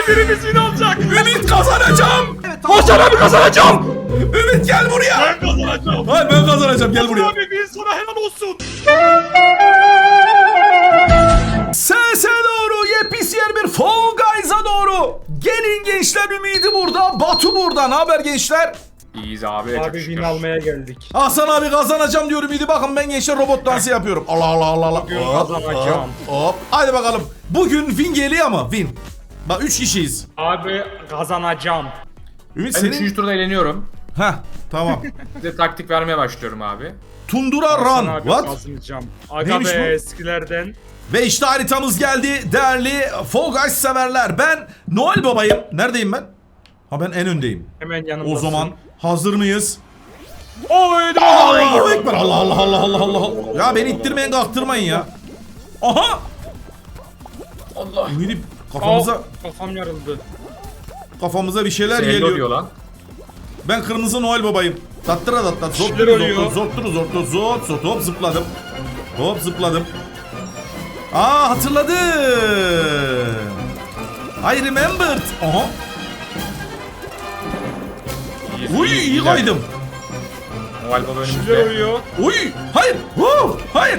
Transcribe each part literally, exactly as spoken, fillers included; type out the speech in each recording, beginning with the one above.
birimiz win alacak. Ümit kazanacağım. Hasan abi kazanacağım. Ümit gel buraya. Ben kazanacağım. Hayır ben kazanacağım gel buraya. Abi bir sana helal olsun. Sese doğru yepis yer bir Fall Guys'a doğru. Gelin gençler, Ümidi burada, Batu burada. Ne haber gençler? İyiyiz abi. Abi win almaya geldik. Hasan abi kazanacağım diyorum Ümidi. Bakın ben gençler robot dansı yapıyorum. Allah Allah Allah Allah. Bugün Hop, kazanacağım. Hop, hop. Hadi bakalım. Bugün win geliyor ama win. Bak üç kişiyiz. Abi kazanacağım. Ümit Ben senin... üçüncü turda eğleniyorum. Heh tamam. Size taktik vermeye başlıyorum abi. Tundura Hasan Run. abi What? kazanacağım. Aga Neymiş be bu? eskilerden. Ve işte haritamız geldi değerli Fall Guys severler. Ben Noel Baba'yım. Neredeyim ben? Ha ben en öndeyim. Hemen yanımdasın. O zaman hazır mıyız? Oy Allahu Ekber. Allah Allah Allah Allah Allah Allah. Ya beni ittirmeyin kalktırmayın ya. Aha. Allah. Ümidi kafamıza Kafam yarıldı. kafamıza bir şeyler Hello geliyor. diyor lan. Ben kırmızı Noel Babayım. Tattıra tattat. şeyler Zortturu oluyor. zortturu zortturu zort zort hop zıpladım. Hop zıpladım. Aa hatırladım. I remembered. Aha. İyiyiz, Uy iyiyiz, iyi iyiler. kaydım. Noel Baba Şeyler önümüzde. oluyor. Uy hayır. Woo, hayır.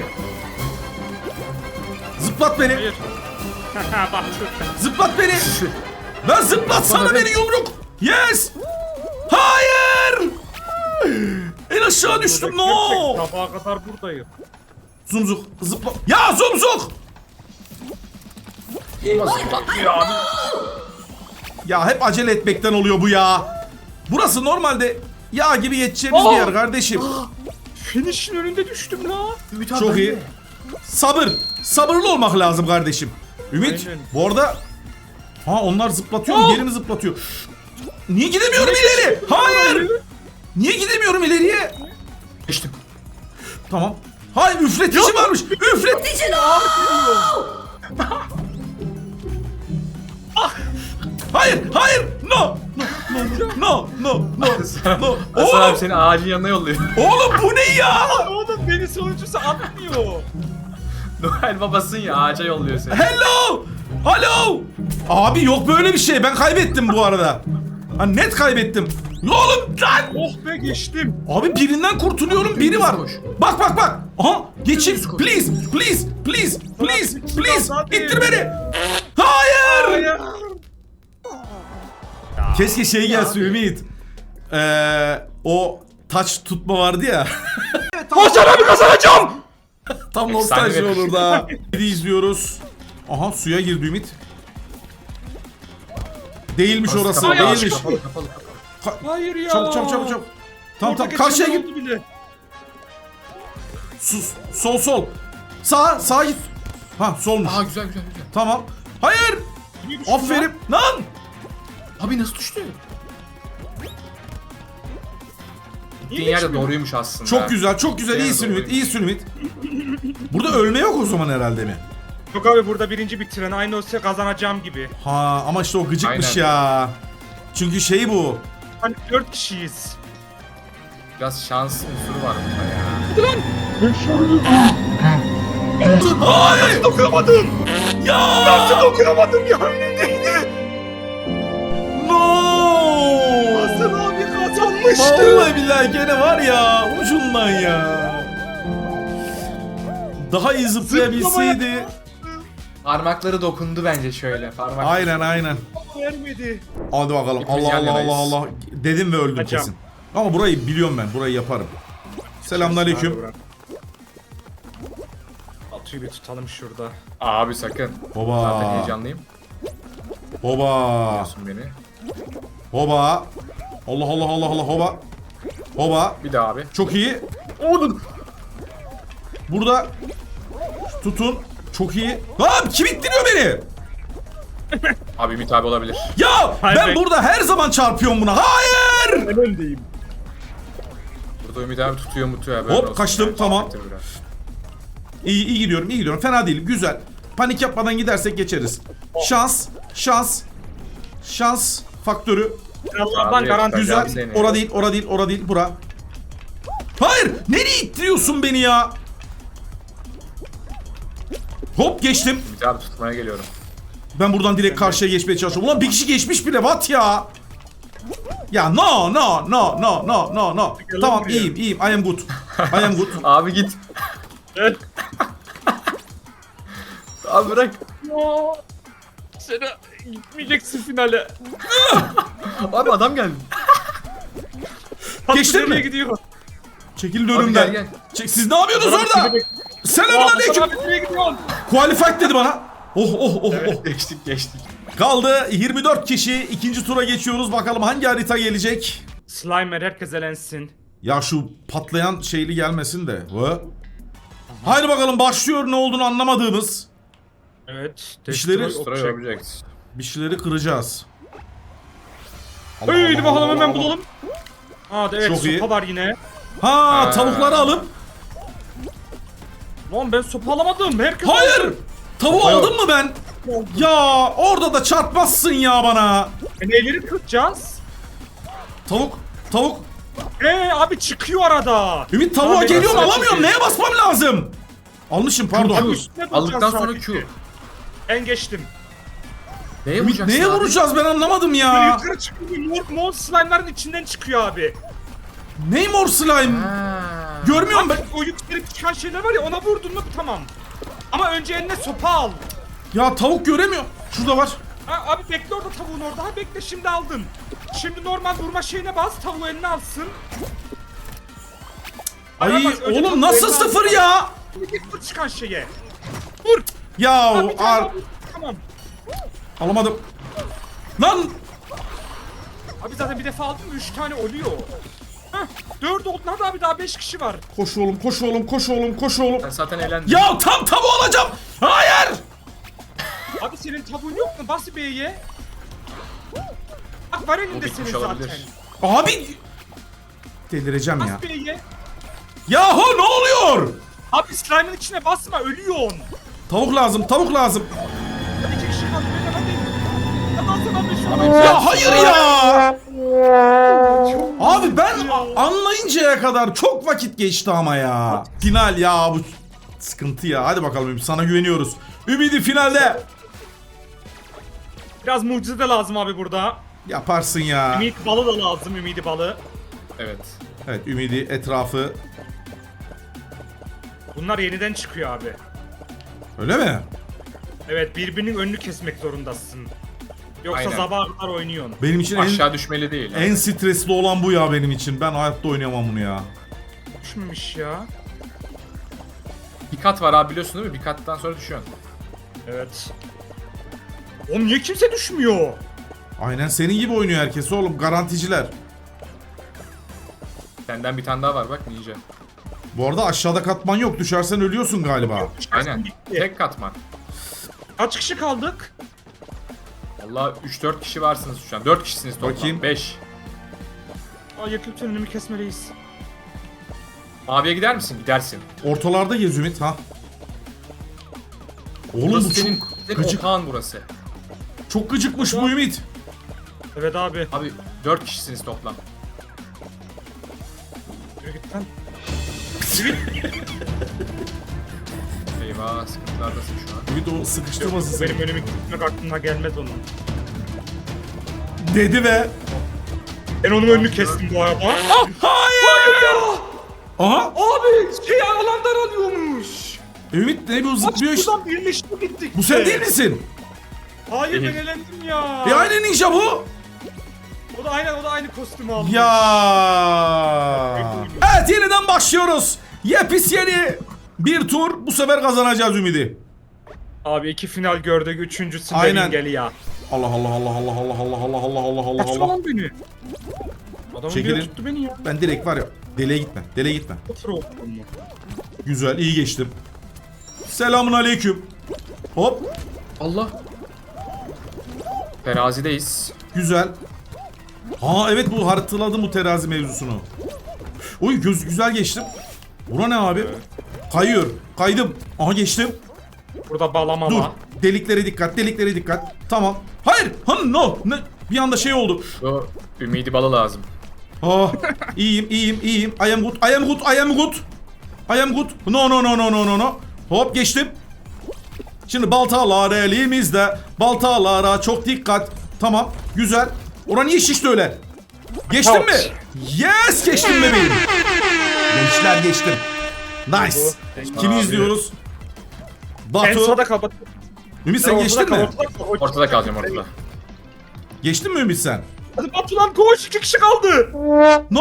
Zıplat beni. Hayır. Bak. Zıplat beni. Lan zıplatsana beni yumruk. Yes. Hayır. En aşağı düştüm no. Sabaha kadar buradayım. Zumzuk zıpla. Ya Zumzuk. Ya hep acele etmekten oluyor bu ya. Burası normalde yağ gibi geçeceğimiz bir yer kardeşim. Finish'in önünde düştüm la. Çok iyi. Sabır. Sabırlı olmak lazım kardeşim. Ümit Aynen. bu arada... Ha onlar zıplatıyor mu? Geri mi zıplatıyor? Niye gidemiyorum ileri? Hayır. Niye gidemiyorum ileriye? Geçtim. Tamam. Hayır üfletici varmış. Üfletici no. Hayır, hayır. No. No, no, no, no. no. Hasan Oğlum, abi seni ağacın yanına yolluyor. oğlum bu ne ya? Oğlum beni sonuncusu atmıyor. Noel babasın ya, ağaca yolluyor seni. Hello. Hello. Abi yok böyle bir şey. Ben kaybettim bu arada. Ha net kaybettim. Oğlum lan. Oh be geçtim. Abi birinden kurtuluyorum, biri var. Bak bak bak. Aha geçin. Please, please, please, please, please. İttir beni. Hayır. Hayır. Keşke şey gelse Ümit. Ee, o taç tutma vardı ya. Hasan abi kazanacağım. Tam nostalji Efsane. olur da. Bir izliyoruz. Aha suya girdi Ümit. Değilmiş orası, Kapalı, değilmiş. kapalı, kapalı, kapalı. Hayır ya. Çabuk çabuk çabuk çabuk. Tamam Orada tamam karşıya geçen git. oldu bile. Sus. Sol sol. Sağ sağa git. Ha solmuş. Aa güzel güzel güzel. Tamam. Hayır. Niye düştün Aferin. lan? Lan. Abi nasıl düştü? Niye Gittiğin yer de geçmiyor? doğruymuş aslında. Çok güzel, çok güzel. Yani İyisin Ümit, doğruymuş. iyisin Ümit. Burada ölme yok o zaman herhalde mi? Yok abi burada birinci bitiren aynı olsa kazanacağım gibi. Ha ama işte o gıcıkmış Aynen. ya. Çünkü şey bu. Hani dört kişiyiz. Biraz şans unsuru var bunda ya. Hayır. Dokunamadım. Ya. Nasıl dokunamadım ya önündeydi. No. Hasan abi kazanmıştı. Vallahi billahi gene var ya ucundan ya. Daha iyi zıplayabilseydi. Parmakları dokundu bence şöyle. Parmak. Aynen aynen. Vermedi. Hadi bakalım. Hepimiz Allah yan Allah yanayız. Allah Allah. Dedim ve öldüm Hocam. kesin. Ama burayı biliyorum ben. Burayı yaparım. Selamünaleyküm. Atıyı bir tutalım şurada. Abi sakın. Zaten Hoba. heyecanlıyım. Hoba. Biliyorsun beni. Hoba. Allah Allah Allah Allah hoba. Hoba. Bir daha abi. Çok iyi. Oğlum. Burada tutun. Çok iyi. Lan kim ittiriyor beni? Abi Ümit abi olabilir. Ya Hayır, ben ben- burada her zaman çarpıyorum buna. Hayır. Ben öndeyim. Burada Ümit abi tutuyor mutuyor. Böyle Hop, olsun kaçtım, yani. tamam. Bitir biraz. İyi iyi gidiyorum, iyi gidiyorum. Fena değilim. Güzel. Panik yapmadan gidersek geçeriz. Şans, şans. Şans faktörü. Allah'tan Abi, garanti. Güzel. seni. Ora değil, ora değil, ora değil. Bura. Hayır. Nereye ittiriyorsun beni ya? Hop geçtim. Ümit abi tutmaya geliyorum. Ben buradan direkt karşıya geçmeye çalışıyorum. Ulan bir kişi geçmiş bile, what ya? Ya no no no no no no no. Gel Tamam buraya. iyiyim iyiyim. I am good. I am good. Abi git. Abi bırak. Sen gitmeyeceksin finale. Abi adam geldi. Geçtin Nereye mi? gidiyor? Çekilin Abi gel önümden. gel. Çek, siz ne yapıyorsunuz orada? Selamun aleyküm. Abi nereye gidiyorsun? Qualified dedi bana. Oh oh oh oh. Geçtik geçtik. Kaldı yirmi dört kişi. İkinci tura geçiyoruz. Bakalım hangi harita gelecek? Slimer herkes elensin. Ya şu patlayan şeyli gelmesin de. Hı? Haydi bakalım başlıyor, ne olduğunu anlamadığımız. Evet. İşleri- Destroy Destroy object. objects. Bir şeyleri kıracağız. Allah Haydi Allah bakalım Allah hemen Allah. bulalım. Aa evet, Çok iyi. sopa var yine. Ha, Ha. tavukları alıp. Lan ben sopa alamadım. Herkes Hayır. aldı. Tavuğu Sopa yok. aldım mı ben? Ya orada da çarpmazsın ya bana. E, neyleri kıracağız? Tavuk. Tavuk. Eee abi çıkıyor arada. Ümit tavuğa Abi, geliyorum, nasıl alamıyorum. çekeyim? Neye basmam lazım? Almışım pardon. Abi üstüne Aldıktan basacağız sonra sadece. Q. Ben geçtim. Neye Ümit vuracaksın neye abi? vuracağız, ben anlamadım Böyle ya. yukarı çıkıyor. Mor, mor slime'ların içinden çıkıyor abi. Ney mor slime? Ha. Görmüyorum ben. Abi o yukarı çıkan şeyler var ya, ona vurdun mu tamam. Ama önce eline sopa al. Ya tavuk göremiyorum. Şurada var. Ha, abi bekle orada, tavuğun orada. Ha bekle, şimdi aldın. Şimdi normal vurma şeyine bas, tavuğu eline alsın. Ay Bana bas, önce oğlum tavuğu nasıl eline sıfır alsın. ya? Bir vur çıkan şeye. Vur. Ya Ha, bir tane ar daha vur. Tamam. alamadım. Lan Abi zaten bir defa aldın mı üç tane oluyor. Hah, dört oldu. Hadi abi, daha beş kişi var. koş oğlum, koş oğlum, koş oğlum, koş oğlum. Ben zaten elendim. Ya tam tavuğu alacağım. Hayır. Abi senin tavuğun yok mu? Bas B'ye. Bak var O elinde bitmiş senin olabilir. zaten. Abi delireceğim ya. Bas B'ye. Yahu ne oluyor? Abi slime'ın içine basma, ölüyorsun. Tavuk lazım, tavuk lazım. Hadi iki kişi kaldı. Hadi hadi. Hadi alsana abi şunu. Abi, Ya hayır ya. Çok Abi ben ya. a- anlayıncaya kadar çok vakit geçti ama ya. Final ya, bu sıkıntı ya. Hadi bakalım Ümit, sana güveniyoruz. Ümidi finalde. Biraz mucize de lazım abi burada. Yaparsın ya. Ümit balı da lazım, ümidi balı. Evet. Evet, Ümidi etrafı. Bunlar yeniden çıkıyor abi. Öyle mi? Evet, birbirinin önünü kesmek zorundasın. Yoksa Aynen. sabaha kadar oynuyorsun. Benim için en, Aşağı düşmeli değil. en stresli olan bu ya benim için. Ben hayatta oynayamam bunu ya. Düşmemiş ya. Bir kat var abi, biliyorsun değil mi? Bir kattan sonra düşüyorsun. Evet. Oğlum niye kimse düşmüyor? Aynen senin gibi oynuyor herkes oğlum, garanticiler. Senden bir tane daha var bak, ninja. Bu arada aşağıda katman yok, düşersen ölüyorsun galiba. Aynen. Bitti. Tek katman. Kaç kişi kaldık? Vallahi üç dört kişi varsınız şu an. dört kişisiniz toplam. Bakayım. beş. Ay yakıp önümü kesmeliyiz. Maviye gider misin? Gidersin. Ortalarda gez Ümit ha. Oğlum Burası bu senin, çok senin gıcık, otağın burası. çok gıcıkmış bu Ümit. Evet abi. Abi dört kişisiniz toplam. Yürü git lan. Eyvah, sıkıntılardasın şu an. Ümit o sıkıştırmasın seni. Benim önümü kesmek aklına gelmez onun. Dedi ve... Ben onun önünü kestim bu arada. Ah! Hayır ya! Aha! Abi şey alan daralıyormuş. Ümit ne bu Bak zıplıyor işte. buradan birleşti gittik. Bu sen değil misin? Hayır, ben Değil. elendim ya. E aynı ninja bu. O da aynen, o da aynı kostümü aldı. Ya. Evet, yeniden başlıyoruz. Yepis yeni bir tur. Bu sefer kazanacağız Ümidi. Abi iki final gördük. Üçüncüsünde Aynen. geli ya. Allah Allah Allah Allah Allah Allah Allah Allah Allah Allah Nasıl Allah. lan beni? Adamın Çekilin. biri tuttu beni ya. Ben direkt var ya. Deliye gitme. Deliye gitme. Sıfır oldu mu? Güzel, iyi geçtim. Selamun aleyküm. Hop. Allah. Terazideyiz. Güzel. Ha evet, bu hatırladım bu terazi mevzusunu. Oy göz güzel geçtim. Bura ne abi? Kayıyor. Kaydım. Aha geçtim. Burada bağlama Dur. var. Deliklere dikkat. Deliklere dikkat. Tamam. Hayır. Han no. Ne? Bir anda şey oldu. Bu ümidi balı lazım. Ah. iyiyim, iyiyim, iyiyim. I am good. I am good. I am good. I am good. No no no no no no no. Hop geçtim. Şimdi baltalar elimizde. Baltalara çok dikkat. Tamam. Güzel. Ora niye şişti öyle? Geçtin mi? Yes, geçtim bebeğim. Gençler geçtim. Nice. Kimi Abi. izliyoruz? En Batu. sağda kapat. Ümit sen Ortada geçtin kal, mi? ortada kal, ortada Ortada kal. kalacağım ortada. Geçtin mi Ümit sen? Hadi Batu lan koş, iki kişi kaldı. No!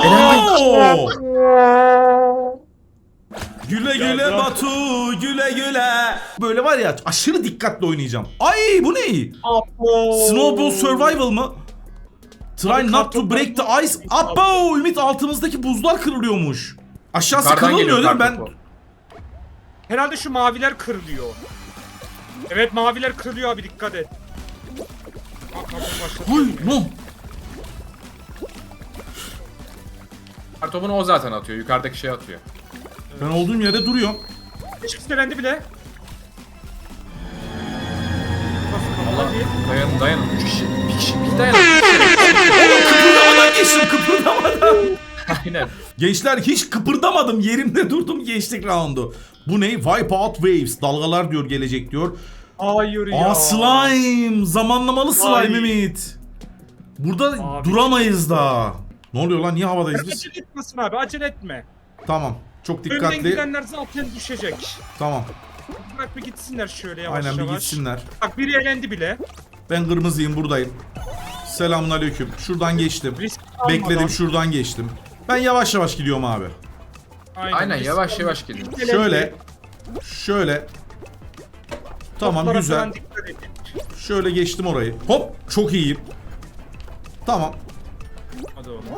Güle güle Geldi. Batu, güle güle. Böyle var ya aşırı dikkatli oynayacağım. Ay bu ne? Apo. Snowball Survival mı? Try Abi not to kartopu- break the ice. Abo! Ümit altımızdaki buzlar kırılıyormuş. Aşağısı Yukarıdan kırılmıyor geliyor değil mi? Ben kartopu. Herhalde şu maviler kırılıyor. Evet maviler kırılıyor abi, dikkat et. Bak, bak, başladı. Ay no. Kartopunu o zaten atıyor. Yukarıdaki şey atıyor. Ben olduğum yerde duruyorum. Hiç selendi bile. Bas, Allah. hadi. Dayanın dayanın. Üç kişi. Bir kişi. Bir dayanın. Kıpırdamadan geçtim, kıpırdamadan. Aynen. Gençler hiç kıpırdamadım, yerimde durdum, geçtik roundu. Bu ne? Wipe out waves. Dalgalar diyor, gelecek diyor. Hayır ya. Aa slime. Zamanlamalı slime Ay. Ümit. Burada Abi. duramayız daha. Ne oluyor lan? Niye havadayız biz? Acele etmesin abi, acele etme. Tamam. Çok Önden dikkatli. gidenler zaten düşecek. Tamam. Bırak bir gitsinler şöyle yavaş Aynen bir yavaş. gitsinler. Bak biri elendi bile. Ben kırmızıyım, buradayım. Selamünaleyküm. Şuradan geçtim. Risk almadan. Bekledim, şuradan geçtim. Ben yavaş yavaş gidiyorum abi. Aynen risk yavaş almadan. yavaş geliyor. Elendi. Şöyle. Şöyle. Tamam Toplara güzel. falan dikkat edin. Şöyle geçtim orayı. Hop çok iyiyim. Tamam. Hadi oğlum.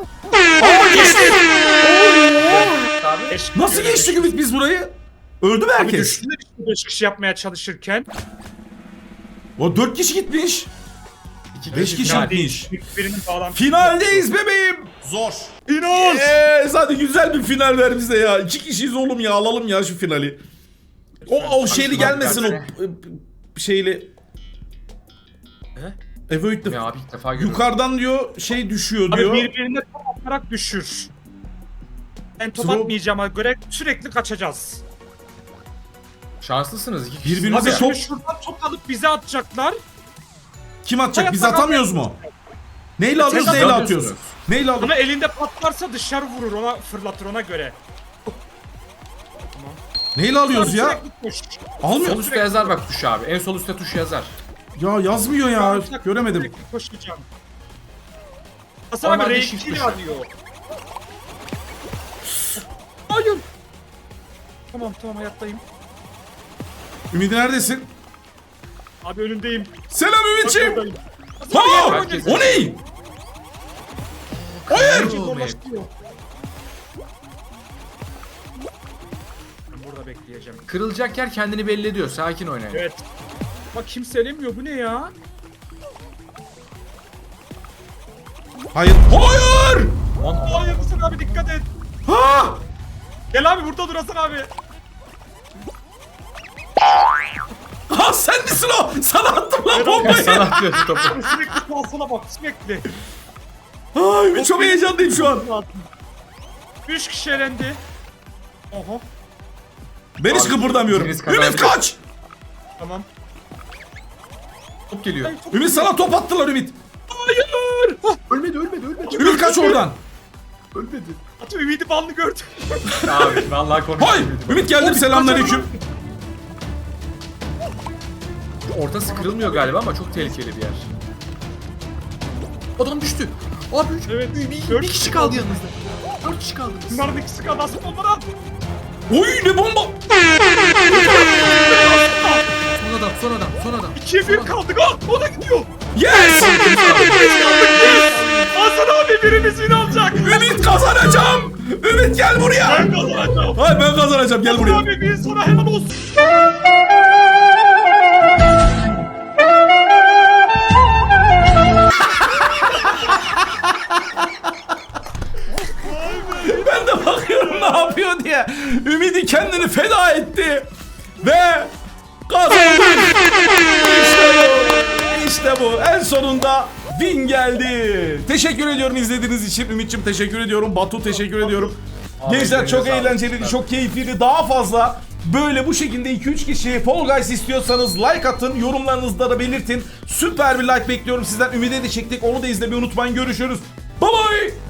Abi. Eş- Nasıl böyle geçtik düş- Ümit biz burayı? Öldü mü Abi herkes? düştüler işte beş kişi yapmaya çalışırken. O dört kişi gitmiş. İki Beş kişi final. gitmiş. Birinin bağlantısı. Finaldeyiz bebeğim. Zor. Final. Yes, hadi güzel bir final ver bize ya. İki kişiyiz oğlum ya, alalım ya şu finali. O, o şeyli şuradan gelmesin o versene. e, şeyli. He? Avoid the... Ya abi ilk defa görüyorum. Yukarıdan diyor şey düşüyor Abi diyor. birbirine top atarak düşür. Ben top Throw- atmayacağıma göre sürekli kaçacağız. Şanslısınız iki kişi. Birbirinize Abi top- şimdi şuradan top alıp bize atacaklar. Kim atacak? Biz Hayatta atamıyoruz mu? Neyle alıyoruz, Siz neyle atamıyorsunuz. atıyoruz? Neyle alıyoruz? Ama elinde patlarsa dışarı vurur, ona fırlatır, ona göre. Neyle alıyoruz ya? Sürekli koş. Sol Almıyoruz. üstte yazar bak tuş abi. En sol üstte tuş yazar. Ya yazmıyor ya. Sürekli Göremedim. koşacağım. Hasan abi Onlar R bir shift iki tuşu. alıyor. Hayır. Tamam tamam hayattayım. Ümit neredesin? Abi önündeyim. Selam Ümit'ciğim. Buradayım. Ha! Herkes- O ne? Hayır. Herkes zorlaştırıyor. Ben burada bekleyeceğim. Kırılacak yer kendini belli ediyor. Sakin oynayın. Evet. Bak kimse elemiyor, bu ne ya? Hayır. Hayır. Hayır Hasan abi dikkat et. Ha! Gel abi burada dur Hasan abi. Ha sen misin o? Sana attım lan bombayı. Sana atıyorsun topu. Sürekli kalsana bak sürekli. Ay Ümit çok heyecanlıyım şu an. Üç kişi elendi. Oho Ben hiç Abi, kıpırdamıyorum. biriniz Ümit kazandı. kaç. tamam. Top geliyor. Ümit sana top attılar Ümit. Hayır. Hah, Ölmedi ölmedi ölmedi. Ümit kaç oradan. Ölmedi. Atı ümidi balını gördüm. Abi vallahi konuştum. Hay! Ümit geldim, selamünaleyküm. Ortası kırılmıyor galiba ama çok tehlikeli bir yer. Adam düştü. Abi üç, Evet, bir, bir, dört bir kişi kaldı yanınızda. Dört kişi kaldı. Bunların ikisi kaldı Hasan onları at. Oy ne bomba. Son adam son adam son adam. İkiye bir kaldık. Ah o da gidiyor. Yes. Hasan abi birimiz yine alacak. Ümit kazanacağım. Ümit gel buraya. Ben kazanacağım. Hayır ben kazanacağım, gel Hasan buraya. abi bir sana helal olsun. Ben de bakıyorum ne yapıyor diye. Ümidi kendini feda etti. Ve kazandı. İşte bu. İşte bu. En sonunda win geldi. Teşekkür ediyorum izlediğiniz için. Ümit'ciğim teşekkür ediyorum. Batu teşekkür ediyorum. Abi, Gençler çok elinize sağlık. eğlenceliydi, çok keyifliydi. Daha fazla Böyle bu şekilde iki üç kişi Fall Guys istiyorsanız like atın. Yorumlarınızda da belirtin. Süper bir like bekliyorum sizden. Ümide de çektik. Onu da izlemeyi unutmayın. Görüşürüz. Bye bye.